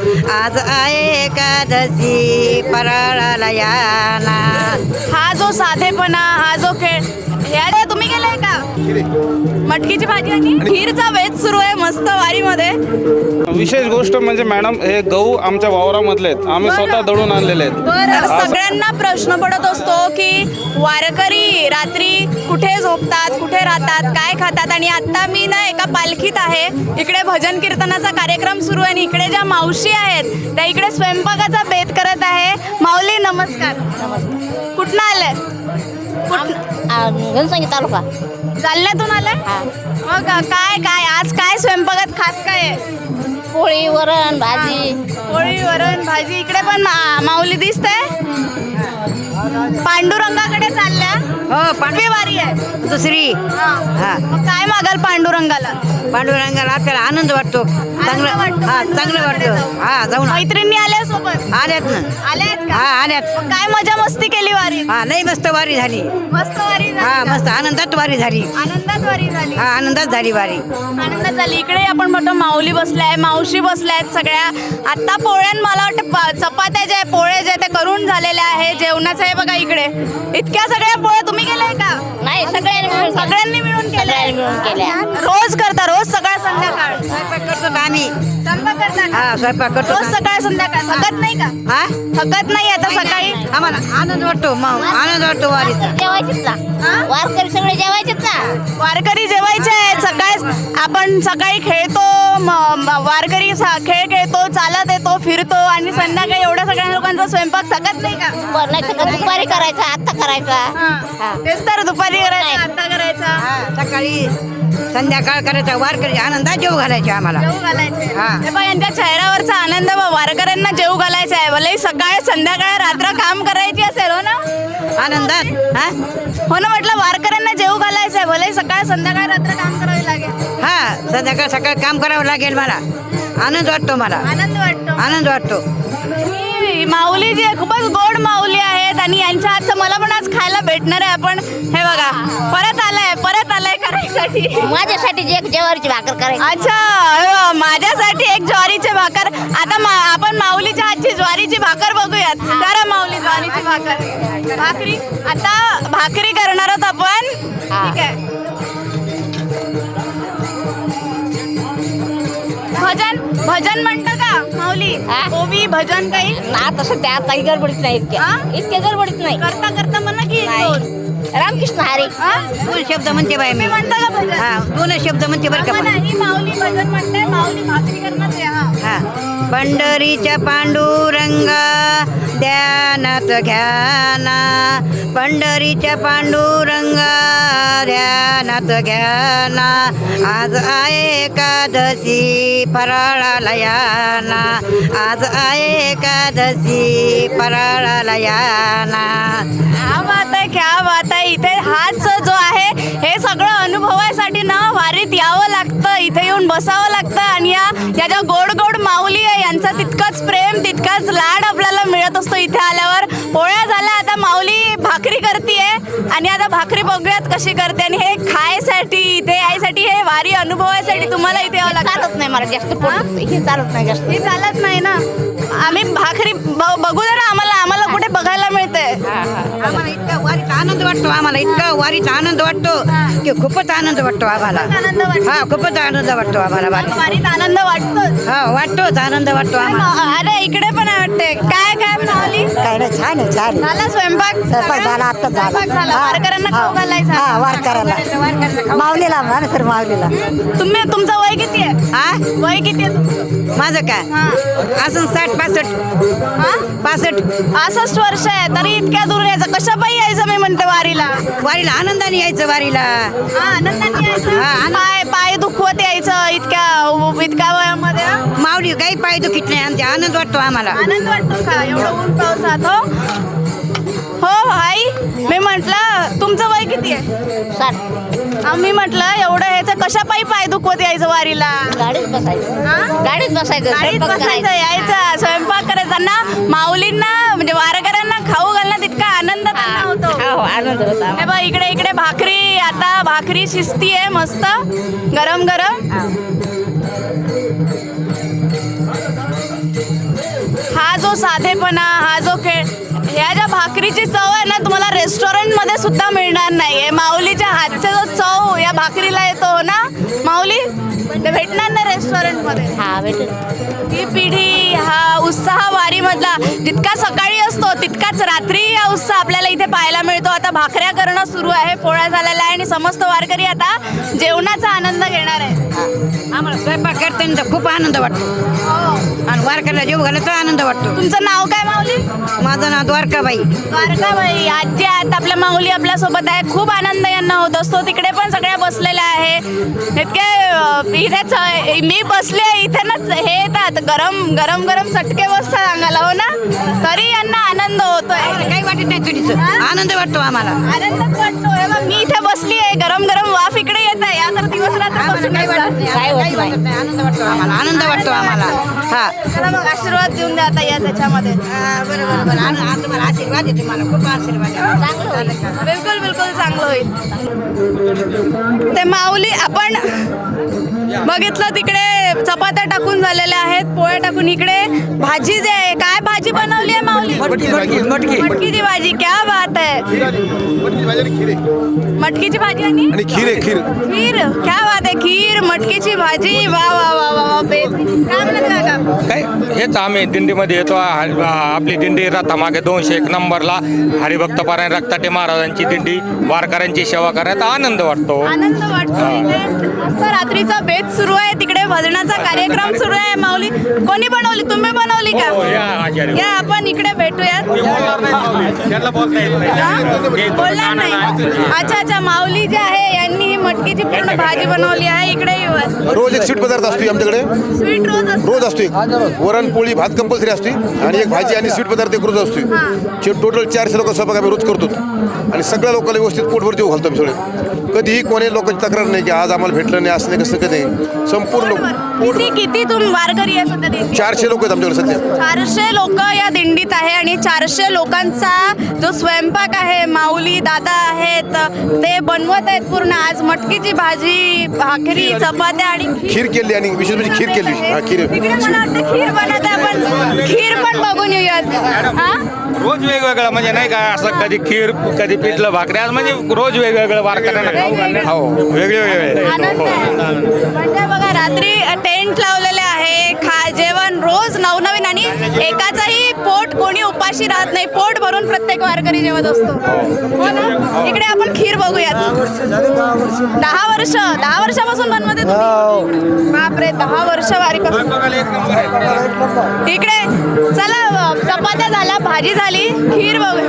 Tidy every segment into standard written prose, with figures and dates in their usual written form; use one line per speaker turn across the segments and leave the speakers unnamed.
आज आहे एकादशी फराळाला याना.
हा जो साधेपणा, हा जो खेळ, ह्या तुम्ही केलाय का? मटकीची भाजी आणि खीरचा वेध सुरू आहे मस्त वारीमध्ये.
विशेष गोष्ट म्हणजे मॅडम, हे गहू आमच्या वावरामधले आहेत, आम्ही स्वतः दळून आणलेले आहेत.
तर सगळ्यांना प्रश्न पडत असतो की वारकरी रात्री कुठे झोपतात, कुठे राहतात, काय खातात. आणि आता मी ना एका पालखीत आहे, इकडे भजन कीर्तनाचा कार्यक्रम सुरू आहे आणि इकडे ज्या मावशी आहेत त्या इकडे स्वयंपाकाचा बेत करत आहे. माऊली नमस्कार. कुठनं आलाय?
घनसंगी तालुका.
जालन्यातून आलाय? मग काय काय आज काय स्वयंपाकात खास काय आहे?
पोळी, वरण, भाजी.
पोळी, वरण, भाजी. इकडे पण माऊली दिसते. पांडुरंगाकडे चालल्या.
हो,
पांडवी वारी आहे
दुसरी.
हा. मग काय मागाल पांडुरंगाला?
पांडुरंगाला आपल्याला आनंद वाटतो, चांगलं.
वाटतो.
हा, चांगलं वाटतं. हा, जाऊन
मैत्रिणी आल्या सोबत?
आल्यात ना.
आल्यात का?
हा, आल्यात.
मग काय मजा मस्ती केली वारी?
हा, लई मस्त वारी झाली.
मस्त वारी झाली
हा,
का?
मस्त आनंदात वारी झाली.
आनंदात वारी झाली.
हा, आनंदात झाली वारी.
आनंदात झाली. इकडे आपण बघतो माऊली बसल्याय, मावशी बसल्यात सगळ्या. आता पोळ्यान मला वाटतं चपात्या ज्या पोळे ज्या त्या करून झालेल्या आहे. जेवणाचं आहे बघा इकडे. इतक्या सगळ्या पोळ्या तुम्ही केल्याय का?
नाही, सगळ्यांनी मिळून केल्या.
रोज करता? रोज सकाळ संध्याकाळ
स्वयंपाक करतो का आम्ही?
स्वयंपाक करता का?
हा, स्वयंपाक करतो
रोज
का?
सकाळ संध्याकाळ. थकत नाही का?
हा,
थकत नाही आता सकाळी?
आम्हाला आनंद वाटतो, मग आनंद वाटतो वारीचा.
जेवायचीच ना, वारकरी सगळे जेवायचेच ना.
वारकरी जेवायचे आहेत. सकाळी आपण सकाळी खेळतो, वारकरी खेळ खेळतो, चालत येतो, फिरतो आणि संध्याकाळी एवढ्या सगळ्या लोकांचा स्वयंपाक थकत नाही का?
नाही तर दुपारी करायचा, आत्ता करायचा.
हा. तेच तर, दुपारी करायचा, आता करायचा.
हा, सकाळी संध्याकाळ करायचा. वारकरी आनंदात जेव घालायचे आम्हाला.
जेव घालायचे.
हा.
हे बघ, यांच्या चेहऱ्यावरचा आनंद वारकऱ्यांना जेव घालायचा आहे. भले सकाळ संध्याकाळ रात्र काम करायची असेल, हो ना?
आनंदात. हा,
हो ना, म्हटलं वारकऱ्यांना जेव घालायचं आहे. भले सकाळ संध्याकाळ रात्र काम करावे लागेल.
हा, संध्याकाळ सकाळ काम करावं लागेल मला. आनंद वाटतो मला.
आनंद वाटतो.
आनंद वाटतो.
ही माऊली जी आहे खूपच गोड माऊली आहेत आणि यांच्या हातचं मला पण आज खायला भेटणार आहे. आपण हे बघा, परत आलाय करायसाठी.
माझ्यासाठी जेवारीची भाकर करायची.
अच्छा, हे बघा, माझ्यासाठी एक ज्वारीचे भाकर. आता आपण माऊलीच्या हातची ज्वारीची भाकर बघूयात. करा माऊली ज्वारीची भाकरी. आता भाकरी करणार आहोत आपण. ठीक आहे. भजन म्हणतं का माऊली? ओवी भजन काही?
आता सध्या काही गडबडीत नाही, इतक्या गडबडीत नाही.
करता म्हणा की दोन.
रामकृष्ण हरी.
दोन शब्द म्हणते बाई मी.
म्हणता का भजन?
हा, दोन शब्द म्हणते बरं का.
म्हणा, ही माऊली भजन म्हणते. माऊली भाकरी करणार आहे. हा.
हा, पंढरीच्या पांडुरंगा ध्यानात घ्याना. पंढरीच्या पांडुरंगा ध्यानात घ्याना. आज आहे एकादशी फराळाला याना. आज आहे एकादशी फराळाला याना.
क्या बात आहे. इथे हाच जो आहे हे सगळं अनुभवासाठी ना वारीत यावं लागतं, इथे येऊन बसावं लागतं. आणि या ज्या गोड गोड माऊली आहे यांचा तितकंच प्रेम, तितकाच लाड आपल्याला मिळत असतो इथे आल्यावर. पोळ्या झाल्या, आता माऊली भाकरी करतीये आणि आता भाकरी बघूयात कशी करते. आणि हे खायसाठी, इथे यायसाठी, हे वारी अनुभवासाठी तुम्हाला इथे यावं लागतं.
चालत नाही मला जास्त. हे चालत नाही जास्त.
हे चालत नाही ना. आम्ही भाकरी बघू दे ना, आम्हाला कुठे बघायला मिळते.
आम्हाला इतका वारीचा आनंद वाटतो. आम्हाला इतका वारीचा आनंद वाटतो की खूपच आनंद वाटतो आम्हाला.
आनंद वाटतो.
हा, खूपच आनंद वाटतो आम्हाला वारीत.
वारीत आनंद वाटतो.
हा, वाटतोच आनंद वाटतो आम्हाला.
अरे इकडे पण वाटते. काय माऊली?
काय नाही, छान आहे, छान आहे.
झाला स्वयंपाक?
स्वयंपाक झाला, आत्ताच झाला.
स्वयंपाक झाला.
हा.
वारकऱ्यांना खाऊ घालायचा.
हा, वारकऱ्याला. माऊलीला म्हणा सर, माऊलीला.
तुमचं वय किती आहे?
हा,
वय किती आहे तुमचं?
माझं काय
हा.
अजून 60-65.
हा?
65
वर्ष आहे तरी इतक्या दूर यायचं. कशा पायी यायचं मी म्हणते वारीला?
वारीला आनंदाने यायचं वारीला.
हा, आनंदाने यायचं.
हा,
पाय दुखवत यायचं इतक्या वयामध्ये.
माऊली काही पाय दुखीत नाही. आमचा आनंद वाटतो आम्हाला.
आनंद वाटतो का एवढं ऊन पावसात? हो आई, मी म्हटलं तुमचं वय किती आहे?
60.
आम्ही म्हटलं एवढं ह्याचं कशा पायी दुखवत यायचं वारीला?
गाडीत बसायचं.
हा?
गाडीत बसायचं.
गाडीत
स्वयंपाक
बसायचं,
करायचा.
यायचं, स्वयंपाक करायचा ना. माऊलींना म्हणजे वारकऱ्यांना खाऊ घालण्यात इतका आनंद त्यांना होतो.
हो, आनंद होता.
हे बघ, इकडे भाकरी. आता भाकरी शिजती आहे मस्त गरम गरम. जो साधेपणा, हा जो खेळ, ह्या ज्या भाकरीची चव आहे ना तुम्हाला रेस्टॉरंटमध्ये सुद्धा मिळणार नाही. माऊलीच्या हातचा जो चव या भाकरीला येतो ना माऊली, ते भेटणार नाही रेस्टॉरंटमध्ये.
हा भेटेल.
ही पिढी, हा उत्साह वारीमधला जितका सकाळी असतो तितकाच रात्री हा उत्साह आपल्याला इथे पाहायला मिळतो. आता भाकऱ्या करणं सुरू आहे, पोळ्या झालेल्या आहे आणि समस्त वारकरी आता जेवणाचा आनंद घेणार आहे.
आम्हाला स्वयंपाक करताना खूप आनंद वाटतो आणि वारकऱ्याला जेव घालायचा आनंद वाटतो.
तुमचं नाव काय माऊली?
माझं नाव द्वारकाबाई.
द्वारकाबाई, आजी आहेत आपल्या, माऊली आपल्या सोबत आहे. खूप आनंद यांना होत असतो. तिकडे पण सगळ्या बसलेल्या आहे. इतके इथेच मी बसले इथेच, हे येतात गरम गरम गरम चटके बसतात अंगाला, हो ना, तरी यांना आनंद होतोय.
काही वाटत नाही चुलीचं, आनंद वाटतो आम्हाला.
आनंदच वाटतो. हे बघ, मी इथे बसली आहे, गरम गरम वाफ इकडे येत आहे. या तर दिवस रात्र बसून
काही वाटत नाही,
काय
काही
वाटत
वाटत नाही, आनंद वाटतो आम्हाला, आनंद वाटतो आम्हाला. हा
चला मग आशीर्वाद देऊन द्या आता या त्याच्यामध्ये.
बरोबर बरं. आज तुम्हाला आशीर्वाद आहे, तुम्हाला खूप आशीर्वाद आहे.
चांगलं होईल.
बिलकुल बिलकुल चांगलं होईल. ते माऊली आपण बघितलं तिकडे चपात्या टाकून झालेल्या आहेत, पोळ्या टाकून. इकडे भाजी जे आहे, काय भाजी बनवली आहे माऊली? मटकीची भाजी. क्या बात आहे. मटकीची भाजी आणि
खीर आहे, खीर.
खीर. क्या बात आहे. खीर, मटकीची भाजी. वा वा वा वा वा. बेस्ट. काय म्हणत काका?
काय हेच आम्ही दिंडीमध्ये येतो. आपली दिंडी रथामागे 201 नंबरला हरिभक्त पारायण रक्ताटे महाराजांची दिंडी, वारकऱ्यांची सेवा करण्यात आनंद वाटतो.
आनंद वाटतो. इथे मस्त रात्रीचा बेत सुरू आहे, तिकडे भजनाचा कार्यक्रम सुरू आहे. माऊली कोणी बनवली? तुम्ही बनवली का?
हो, या आचार्य.
या आपण इकडे भेटूयात. बोलणार नाही. अच्छा अच्छा. माऊली जे आहे यांनी ही मटकीची पूर्ण भाजी बनवली आहे. इकडे
रोज एक स्वीट पदार्थ असतो आमच्याकडे,
स्वीट रोज
असतो एक. वरण पोळी भात कंपल्सरी असते आणि एक भाजी आणि स्वीट पदार्थ एक रोज असतो. टोटल 400 लोक स्वयंपाक आम्ही रोज करतो आणि सगळ्या लोकांना व्यवस्थित पोटभर जेव घालतो आम्ही सगळे. कधीही कोणी लोकांची तक्रार नाही की आज आम्हाला भेटलं नाही, असं नाही, कसं कधी. संपूर्ण
किती तुम्ही वारकरी आहे सध्या दिंडीत?
400 लोक आहेत आमच्याकडे सध्या.
400 लोक या दिंडीत आहे आणि 400 लोकांचा जो स्वयंपाक आहे, माऊली दादा आहेत ते बनवत आहेत पूर्ण. आज मटकीची भाजी, भाकरी, चपात्या आणि
खीर केली आणि विशेष म्हणजे खीर केली. हा, खीर.
तिकडे मला वाटतं खीर बनवत आहे. आपण खीर पण बघून येऊयात. हा,
रोज वेगवेगळं, म्हणजे नाही का असं कधी खीर, कधी पिठलं भाकरी, आज म्हणजे रोज वेगवेगळं वारकऱ्यांना खाऊ घालणे. हो, वेगळे वेगळे.
आनंद आहे. म्हणजे बघा रात्री टेंट लावलेले आहे, जेवण रोज नवनवीन आणि एकाचंही पोट कोणी उपाशी राहत नाही. पोट भरून प्रत्येक वारकरी जेवत असतो, हो ना. इकडे आपण खीर बघूयात. 10 वर्षापासून बनवते तुम्ही? बापरे, 10 वर्ष वारीपासून. इकडे चला, चपात्या झाल्या, भाजी झाली, खीर बघू.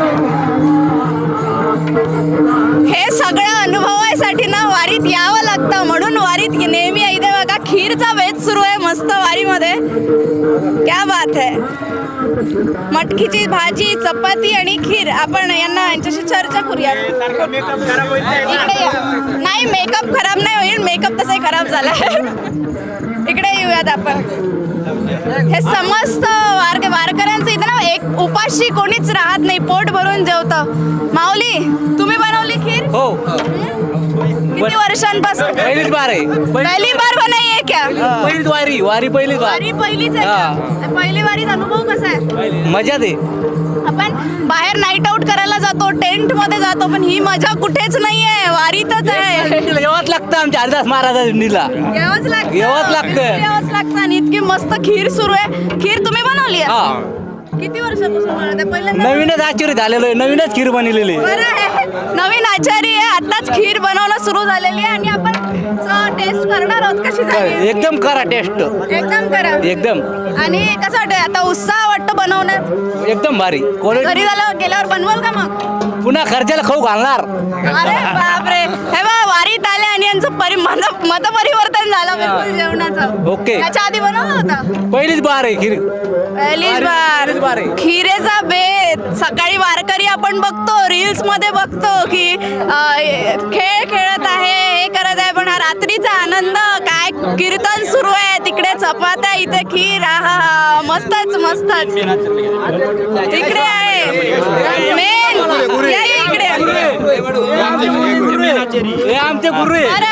हे सगळं अनुभवायसाठी ना वारीत यावं लागतं. म्हणून वारीत नेहमी इथे बघा खीरचा बेत सुरू आहे मस्त वारीमध्ये. क्या बात आहे. मटकीची भाजी, चपाती आणि खीर. आपण यांच्याशी चर्चा करूया. इकडे या. नाही, मेकअप खराब नाही होईल, मेकअप तसाही खराब झाला. इकडे येऊयात आपण. हे समस्त वारकऱ्यांचं इथं ना एक उपाशी कोणीच राहत नाही, पोट भरून जेवतं. माऊली तुम्ही बनवली खीर?
हो.
किती वर्षांपासून?
पहिलीच बार आहे.
पहिली बार बनाई है क्या?
पहिलीच वारी पहिलीच बार.
वारी पहिलीच आहे का? पहिली वारीत अनुभव कसा आहे?
मजा दे.
आपण बाहेर नाईट आउट करायला जातो, टेंट मध्ये जातो, पण ही मजा कुठेच नाहीये, वारीतच आहे.
येवाच लागतं आमच्या हरिदास महाराजा दिंडीला.
यावंच लागतं.
यावंच लागतं.
यावंच लागतं. आणि इतकी मस्त खीर सुरू आहे. खीर तुम्ही बनवली आहे?
हा.
किती वर्षापासून बनवते? पहिल्यांदा?
नवीनच आश्चर्य झालेलो आहे, नवीनच खीर बनलेली आहे.
बरं आहे. नवीन आचारी आहे, आताच खीर बनवणं सुरू झालेली आहे आणि आपण टेस्ट करणार आहोत. कशी झाली?
एकदम करा टेस्ट.
एकदम करा.
एकदम.
आणि कसं वाटतं आता? उत्साह वाटतो बनवण्यात?
एकदम भारी.
घरी गेल्यावर बनवाल का मग?
पुन्हा खर्चाला खाऊ घालणार.
अरे बापरे. हे बा, वारीत आले आणि यांचं मतपरिवर्तन झालं बिलकुल जेवणाचं.
ओके.
याच्या आधी बनवलं होतं?
पहिलीच बार आहे खीर.
पहिलीच बार. खिरेचा बेत. सकाळी वारकरी आपण बघतो, रील्स मध्ये बघतो की खेळ खेळत आहे, हे करत आहे, पण हा रात्रीचा आनंद काय. कीर्तन सुरू आहे, तिकडे चपात्या, इथे खीर. हा, मस्तच मस्तच. इकडे आहे मेन. या इकडे.
हे आमचे गुरु आहे.
बरं,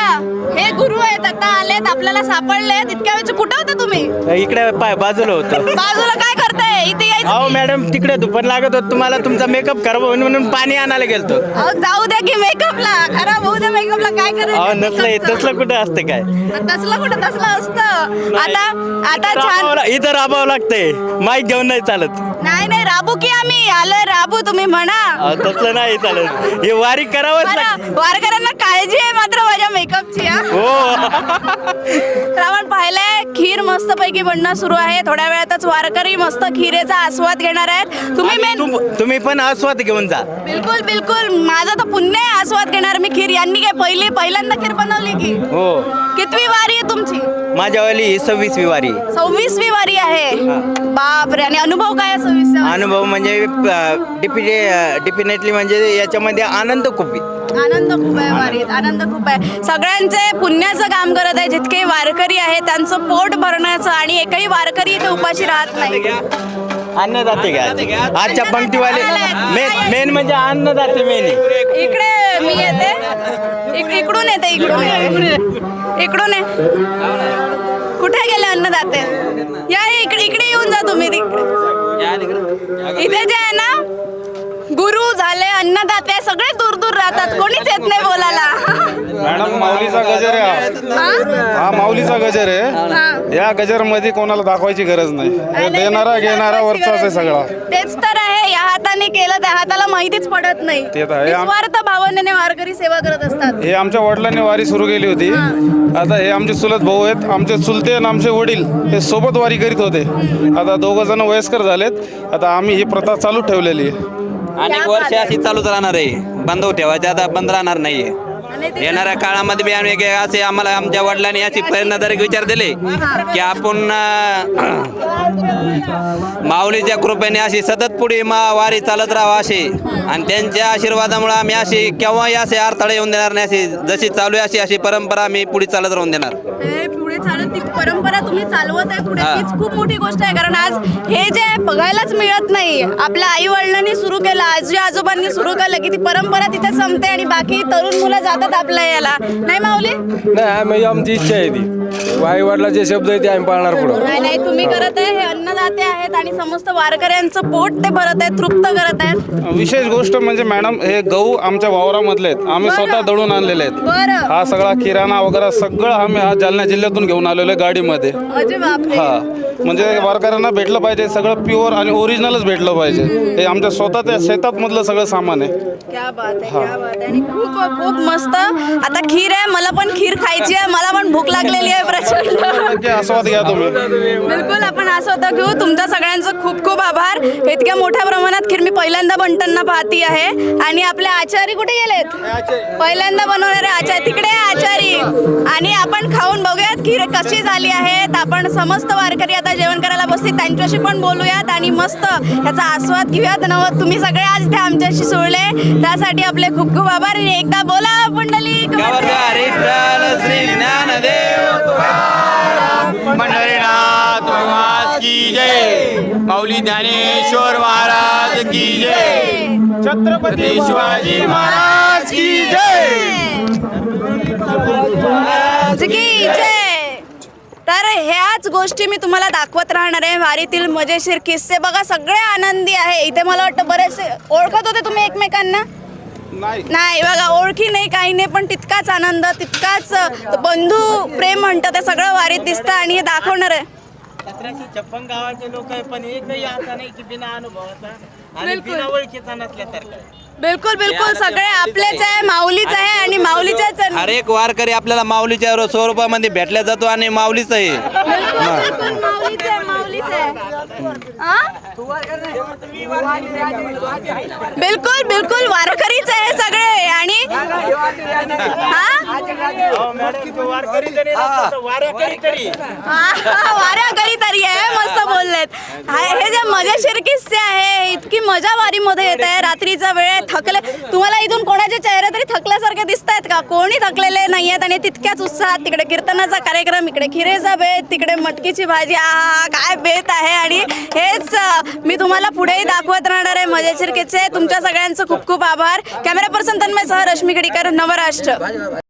हे गुरु आहेत, आता आलेत, आपल्याला सापडलेत. इतक्या वेळची कुठं होते तुम्ही?
इकडे बाजूला होतं.
बाजूला काय करताय? इथे यायचं.
अहो मॅडम, तिकडे दुपार लागत होत तुम्हाला, तुमचा मेकअप करावं म्हणून पाणी आणायला गेलतो.
अहो, जाऊ द्या की मेकअपला, खराब होऊ द्या मेकअपला, काय
अहो नसलं
करायचं?
तसलं कुठं असतं काय?
तसलं कुठं तसलं असतं. आता छान.
इथं राबावं लागतंय, माईक घेऊन नाही चालत.
नाही राबू की आम्ही आलोय राबू, तुम्ही म्हणा.
अहो, तसलं नाही चालत, हे वारी करावंच लागतं.
बरं, वारकऱ्यांना काळजी आहे मात्र माझ्या मेकअपची.
हो.
आपण पाहिलंय खीर मस्त पैकी बनणं सुरू आहे. थोड्या वेळातच वारकरी मस्त खिरेचा आस्वाद घेणार आहेत.
तुम्ही पण आस्वाद घेऊन जा.
बिलकुल बिलकुल, माझं तर पुण्य आहे आस्वाद घेणार मी खीर. यांनी काय पहिल्यांदा खीर बनवली की?
हो.
कितवी वारी आहे तुमची?
माझ्यावाली ही 26वी वारी.
26वी वारी आहे. बापरे. आणि अनुभव काय आहे 26चा?
अनुभव म्हणजे डेफिनेटली म्हणजे याच्यामध्ये आनंद खूप आहे.
आनंद खूप आहे वारीत, आनंद खूप आहे. सगळ्यांचे पुण्याचं काम करत आहे. जितके वारकरी आहेत त्यांचं पोट भरण्याचं, आणि एकही वारकरी इथे उपाशी राहत नाही.
अन्नदाते घ्या आजच्या पंक्तीवाले. मेन म्हणजे अन्नदाते मेन.
इकडे मी येते, इकडून येते, इकडून आहे. कुठे गेले अन्नदाते? या इकडे येऊन जा तुम्ही. इथे जे आहे ना, गुरु झाले, अन्नदाते सगळे दूर दूर राहतात, कोणीच येत नाही बोलायला.
मॅडम, माऊलीचा गजर आहे हा माऊलीचा गजर आहे. या गजर मध्ये कोणाला दाखवायची गरज नाही. हे देणारा घेणारा वरचाच आहे सगळा.
तेच तर आहे. या हाताने केलं त्या हाताला माहितीच पडत नाही.
ते तर आहे.
निस्वार्थ भावनेने वारकरी सेवा करत असतात.
हे आमच्या वडिलांनी वारी सुरू केली होती. आता हे आमचे चुलत भाऊ आहेत. आमचे चुलते आणि आमचे वडील हे सोबत वारी करीत होते. आता 2 जण वयस्कर झालेत. आता आम्ही ही प्रथा चालू ठेवलेली आहे.
अनेक वर्ष अशी चालूच राहणार आहे. बंद ठेवायचे, आता बंद राहणार नाहीये. येणाऱ्या काळामध्ये बी आम्ही असे आम्हाला आमच्या वडिलांनी अशी प्रेरणादायक विचार दिले की आपण माऊलीच्या कृपेने अशी सतत पुढे वारी चालत राहावं असे, आणि त्यांच्या आशीर्वादामुळे आम्ही अशी केव्हाही असे अडथळे येऊन देणार नाही. अशी जशी चालू आहे अशी परंपरा आम्ही पुढे चालत राहून देणार.
पुढे चालत ती परंपरा तुम्ही चालवत आहे पुढे, हीच खूप मोठी गोष्ट आहे. कारण आज हे जे बघायलाच मिळत नाही. आपल्या आई वडिलांनी सुरू केलं, आजी आजोबांनी सुरू केलं की ती परंपरा तिथे संपते आणि बाकी तरुण मुलं जातात आपल्या याला. नाही माऊली?
नाही, आमची इच्छा आहे ती. आई वडिलाचे शब्द आहे ते आम्ही पाळणार पुढं.
नाही तुम्ही करत आहे. हे अन्नदाते आहेत आणि समस्त वारकऱ्यांचं पोट ते भरत आहेत, तृप्त करत आहेत.
विशेष गोष्ट म्हणजे मॅडम, हे गहू आमच्या वावरामधले आहेत. आम्ही स्वतः दळून आणलेले आहेत.
बरं.
हा सगळा किराणा वगैरे सगळं आम्ही हा जालना जिल्ह्यातून घेऊन आलेलो आहे गाडीमध्ये.
अरे बापरे.
हा, म्हणजे वारकऱ्यांना भेटलं पाहिजे सगळं प्युअर आणि ओरिजिनलच भेटलं पाहिजे. हे आमच्या स्वतःच्या शेतात मधलं सगळं सामान आहे.
क्या बात आहे, क्या बात आहे. आणि खूप खूप मस्त. आता खीर आहे, मला पण खीर खायची आहे. मला पण भूक लागलेली आहे प्रचंड.
नक्की आस्वाद घ्या तुम्ही.
बिलकुल, आपण आस्वाद घेऊ. तुमच्या सगळ्यांचं खूप खूप आभार. इतक्या मोठ्या प्रमाणात खीर मी पहिल्यांदा बनताना पाहती आहे. आणि आपले आचारी कुठे गेलेत? पहिल्यांदा बनवणारे आचारी तिकडे आहे, आचारी. आणि आपण खाऊन बघूयात खीर कशी झाली आहे. आपण समस्त वारकरी आता जेवण करायला बसतील, त्यांच्याशी पण बोलूयात आणि मस्त याचा आस्वाद घेऊयात. तुम्ही सगळे आज इथे आमच्याशी जुळले त्यासाठी आपले खूप खूप आभार. आणि एकदा बोला पुंडलिक
पंढरीनाथ महाराज की जय. माऊली ज्ञानेश्वर महाराज की जय. छत्रपती शिवाजी महाराज की जय.
की जय. तर ह्याच गोष्टी मी तुम्हाला दाखवत राहणार आहे. वारीतील मजेशीर किस्से बघा, सगळे आनंदी आहे. इथे मला वाटतं बरेचसे ओळखत होते तुम्ही एकमेकांना? नाही बघा, ओळखी नाही, काही नाही, पण तितकाच आनंद, तितकाच बंधू प्रेम म्हणतं ते सगळं वारीत दिसतं. आणि हे दाखवणार आहे.
1756 गावाचे लोक आहे, पण एकही असा नाही की बिना अनुभवाचा आणि बिना ओळखीचा नसल्यासारखं.
बिलकुल बिलकुल, सगळे आपलेच आहे, माऊलीच आहे आणि माऊलीच्याच.
हर एक वारकरी आपल्याला माऊलीच्या स्वरूपामध्ये भेटला जातो आणि माऊलीच आहे.
माऊलीच आहे, माऊलीच आहे. बिलकुल बिलकुल, वारकरीच आहे सगळे. आणि वाऱ्याकरी तरी आहे. मस्त बोललेत. हे जे मजेशीर किस्से आहे, इतकी मजा वारीमध्ये येत आहे. रात्रीचा वेळ, थकले. तुम्हाला इथून कोणाचे चेहरे तरी थकल्यासारखे दिसत आहेत का? कोणी थकलेले नाही आहेत. आणि तितक्याच उत्साहात तिकडे कीर्तनाचा कार्यक्रम, इकडे खिरेचा बेत, तिकडे मटकीची भाजी. काय बेत आहे. आणि हेच मी तुम्हाला पुढेही दाखवत राहणार आहे मजेशीर किस्से. तुमच्या सगळ्यांचं खूप खूप आभार. कॅमेरा पर्सन तन्मय सह रश्मी खडीकर, नवराष्ट्र.